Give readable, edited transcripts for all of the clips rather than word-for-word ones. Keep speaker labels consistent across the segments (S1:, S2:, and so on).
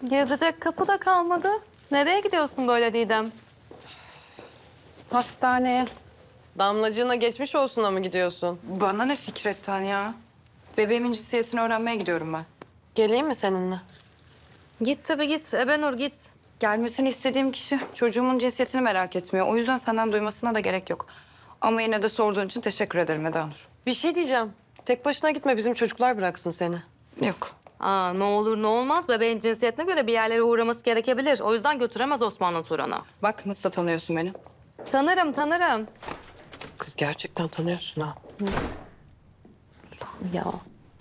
S1: Gezecek kapı da kalmadı. Nereye gidiyorsun böyle Didem?
S2: Hastaneye.
S3: Damlacığına geçmiş olsuna mı gidiyorsun?
S2: Bana ne Fikret'ten ya? Bebeğimin cinsiyetini öğrenmeye gidiyorum ben.
S3: Geleyim mi seninle?
S1: Git tabii git. Ebenur git.
S2: Gelmesini istediğim kişi çocuğumun cinsiyetini merak etmiyor. O yüzden senden duymasına da gerek yok. Ama yine de sorduğun için teşekkür ederim Eda Nur.
S3: Bir şey diyeceğim. Tek başına gitme, bizim çocuklar bıraksın seni.
S2: Yok.
S1: Aa, ne olur ne olmaz. Bebeğin cinsiyetine göre bir yerlere uğraması gerekebilir. O yüzden götüremez Osmanlı Turan'a.
S2: Bak nasıl da tanıyorsun beni.
S1: Tanırım, tanırım.
S3: Kız gerçekten tanıyorsun ha. Allah'ım ya.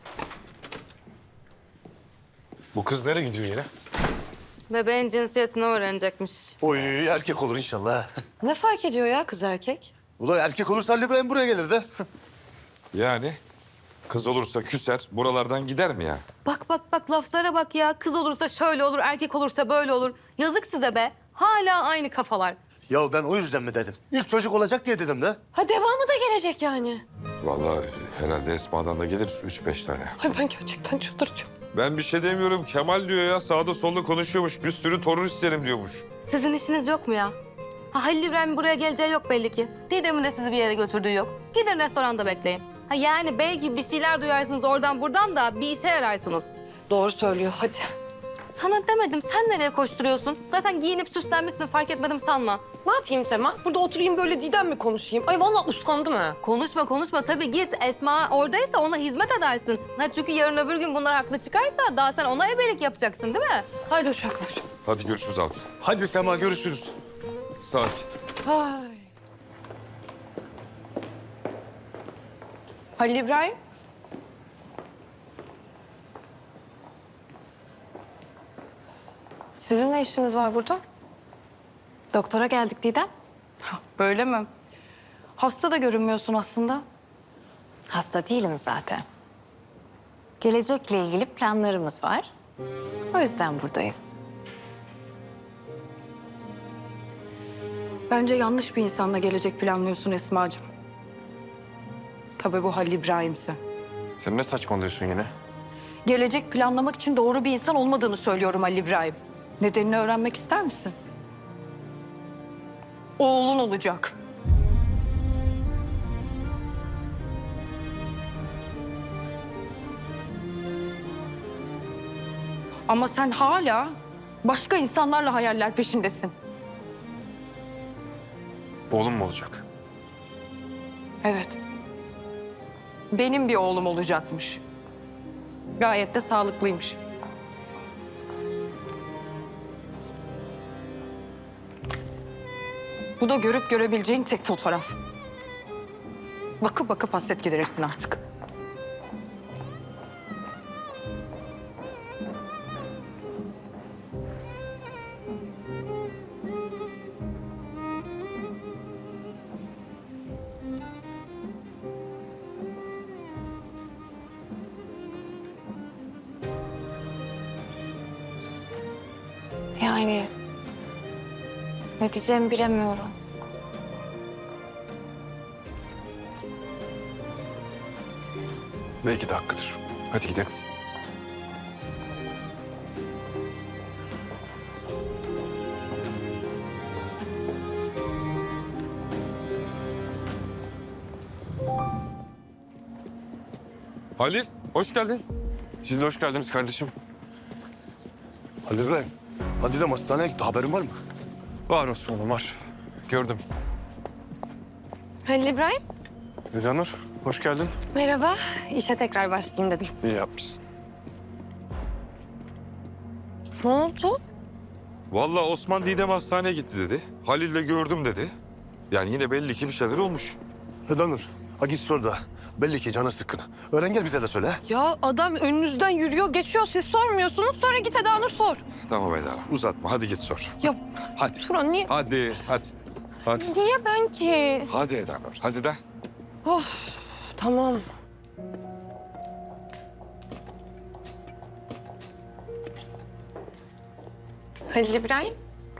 S4: Bu kız nereye gidiyor yine?
S1: Bebeğin cinsiyetini öğrenecekmiş.
S4: Oy erkek olur inşallah.
S3: Ne fark ediyor ya kız erkek?
S4: Ulan erkek olursa Ali İbrahim buraya gelir de.
S5: Yani kız olursa küser, buralardan gider mi ya?
S1: Bak bak bak laflara bak ya. Kız olursa şöyle olur, erkek olursa böyle olur. Yazık size be. Hala aynı kafalar.
S4: Ya ben o yüzden mi dedim? İlk çocuk olacak diye dedim de.
S3: Ha devamı da gelecek yani.
S5: Vallahi herhalde Esma'dan da gelir 3-5 tane.
S3: Ay ben gerçekten çıldıracağım.
S5: Ben bir şey demiyorum. Kemal diyor ya, sağda solda konuşuyormuş. Bir sürü torun isterim diyormuş.
S1: Sizin işiniz yok mu ya? Ha, Halil İbrahim buraya geleceği yok belli ki. Didem'in de sizi bir yere götürdüğü yok. Gidin restoranda bekleyin. Ha, yani belki bir şeyler duyarsınız oradan buradan da bir işe yararsınız.
S3: Doğru söylüyor, hadi.
S1: Sana demedim, sen nereye koşturuyorsun? Zaten giyinip süslenmişsin, fark etmedim sanma.
S3: Ne yapayım Sema? Burada oturayım böyle Didem mi konuşayım? Ay vallahi usandım ha.
S1: Konuşma konuşma, tabii git. Esma oradaysa ona hizmet edersin. Ha, çünkü yarın öbür gün bunlar haklı çıkarsa daha sen ona ebelik yapacaksın değil mi?
S3: Haydi uşaklar.
S5: Hadi görüşürüz Altın.
S4: Hadi Sema görüşürüz.
S5: Sakin.
S3: Ay.
S2: Halil İbrahim.
S3: Sizin ne işiniz var burada?
S2: Doktora geldik Didem. Böyle mi? Hasta da görünmüyorsun aslında.
S6: Hasta değilim zaten. Gelecekle ilgili planlarımız var. O yüzden buradayız.
S2: Bence yanlış bir insanla gelecek planlıyorsun Esma'cığım. Tabii bu Halil İbrahim'se.
S4: Sen ne saçmalıyorsun yine?
S2: Gelecek planlamak için doğru bir insan olmadığını söylüyorum Halil İbrahim. Nedenini öğrenmek ister misin? Oğlun olacak. Ama sen hala başka insanlarla hayaller peşindesin.
S4: Oğlum mu olacak?
S2: Evet. Benim bir oğlum olacakmış. Gayet de sağlıklıymış. Bu da görüp görebileceğin tek fotoğraf. Bakıp bakıp hasret giderirsin artık.
S6: Yani ne diyeceğimi bilemiyorum.
S4: Belki de hakkıdır. Hadi gidelim.
S5: Halil, hoş geldin.
S4: Siz de hoş geldiniz kardeşim. Ali İbrahim, hadi de hastaneye gitti. Haberin var mı?
S7: Var Osman'ım var. Gördüm.
S3: Halil İbrahim,
S4: Eda Nur, hoş geldin.
S3: merhaba. İşe tekrar başlayayım dedim.
S4: İyi yapmışsın.
S3: Ne oldu?
S5: Vallahi Osman Didem hastaneye gitti dedi. Halil'le gördüm dedi. Yani yine belli ki bir şeyler olmuş.
S4: Eda Nur, ha git sor da. Belli ki canı sıkkın. Öğren gel bize de söyle. Ha?
S3: Ya adam önünüzden yürüyor, geçiyor. Siz sormuyorsunuz. Sonra git Eda Nur sor.
S5: Tamam Eda, uzatma. Hadi git sor.
S3: Ya
S5: Hadi.
S3: Turan niye?
S5: Hadi. Hadi.
S3: Niye ben ki?
S5: Hadi Eda Nur, hadi de.
S3: Tamam. Halil İbrahim.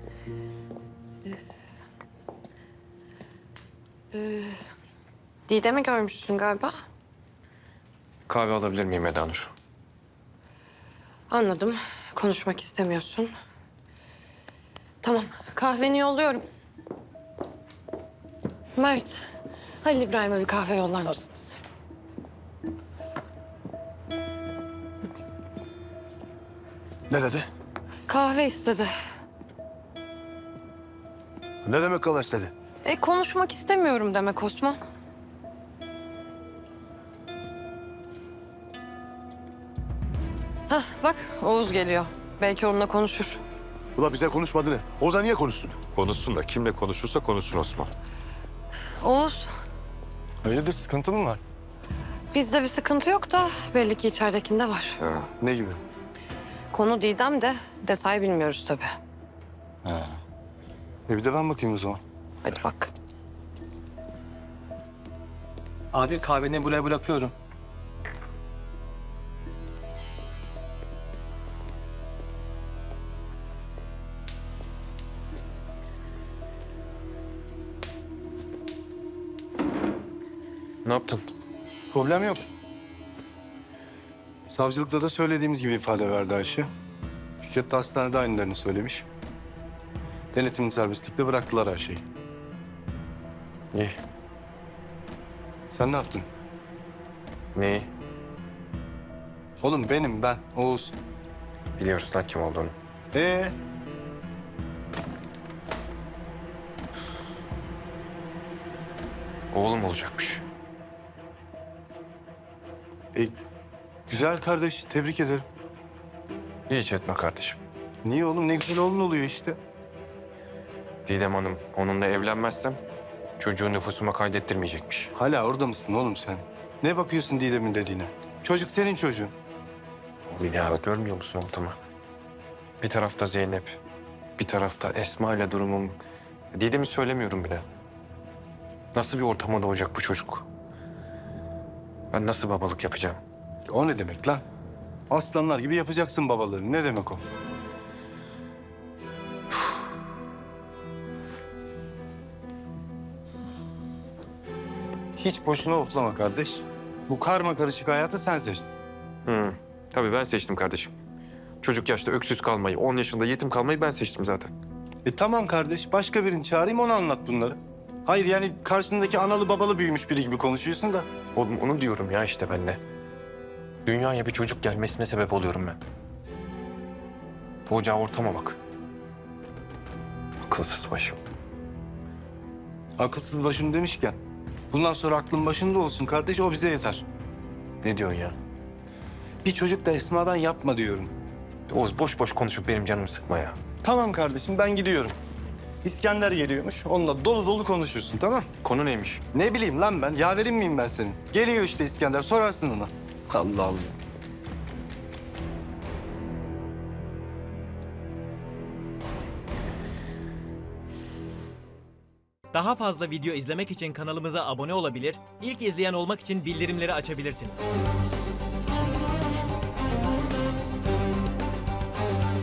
S3: Didem'i görmüşsün galiba.
S7: Kahve alabilir miyim Eda Nur?
S3: Anladım. Konuşmak istemiyorsun. Tamam, kahveni yolluyorum. Mert, Halil İbrahim'e bir kahve yollar mısınız?
S4: Ne dedi?
S3: Kahve istedi.
S4: Ne demek kalaş dedi?
S3: Konuşmak istemiyorum demek Osman. Hah, bak Oğuz geliyor. Belki onunla konuşur.
S4: Ula bize konuşmadı ne? Oza niye konuştun?
S5: Konuşsun da kimle konuşursa konuşsun Osman.
S3: Oğuz,
S7: Hayırdır, sıkıntı mı var?
S3: bizde bir sıkıntı yok da belli ki içeridekinde var.
S5: Ha.
S7: Ne gibi?
S3: Konu Didem de detay bilmiyoruz tabii.
S7: Bir de ben bakayım o zaman.
S3: Hadi bak.
S8: Abi kahveni buraya bırakıyorum.
S7: Ne yaptın? Problem yok. Savcılıkta da söylediğimiz gibi ifade verdi Ayşe. Fikret de hastanede aynılarını söylemiş. Denetimli serbestlikle bıraktılar her şeyi. İyi. Sen ne yaptın?
S9: Neyi?
S7: Oğlum ben, Oğuz.
S9: Biliyoruz lan kim olduğunu.
S7: Ee?
S9: Oğlum olacakmış.
S7: Güzel kardeş, tebrik ederim.
S9: Hiç etme kardeşim.
S7: Niye oğlum? Ne güzel oğlun oluyor işte.
S9: Didem Hanım onunla evlenmezsem çocuğu nüfusuma kaydettirmeyecekmiş.
S7: Hala orada mısın oğlum sen? Ne bakıyorsun Didem'in dediğine? Çocuk senin çocuğun.
S9: Ya görmüyor musun ortamı? Bir tarafta Zeynep, bir tarafta Esma ile durumum. Didem'i söylemiyorum bile. Nasıl bir ortama doğacak bu çocuk? Ben nasıl babalık yapacağım?
S7: O ne demek lan? Aslanlar gibi yapacaksın babalığını. Ne demek o? Hiç boşuna oflama kardeş. Bu karma karışık hayatı sen seçtin.
S9: Tabii ben seçtim kardeşim. Çocuk yaşta öksüz kalmayı, 10 yaşında yetim kalmayı ben seçtim zaten.
S7: Tamam kardeş. Başka birini çağırayım ona anlat bunları. Hayır yani karşındaki analı babalı büyümüş biri gibi konuşuyorsun da.
S9: Oğlum onu diyorum ya işte ben de. Dünyaya bir çocuk gelmesine sebep oluyorum ben. Doğacağı ortama bak. Akılsız başım.
S7: Akılsız başım demişken. Bundan sonra aklın başında olsun kardeş. O bize yeter.
S9: Ne diyorsun ya?
S7: Bir çocuk da Esma'dan yapma diyorum.
S9: Oğuz boş boş konuşup benim canımı sıkma ya.
S7: Tamam kardeşim ben gidiyorum. İskender geliyormuş. Onunla dolu dolu konuşursun tamam?
S9: Konu neymiş?
S7: Ne bileyim lan ben. Yaverin miyim ben senin? Geliyor işte İskender. Sorarsın ona. Allah Allah.
S10: Daha fazla video izlemek için kanalımıza abone olabilir, ilk izleyen olmak için bildirimleri açabilirsiniz.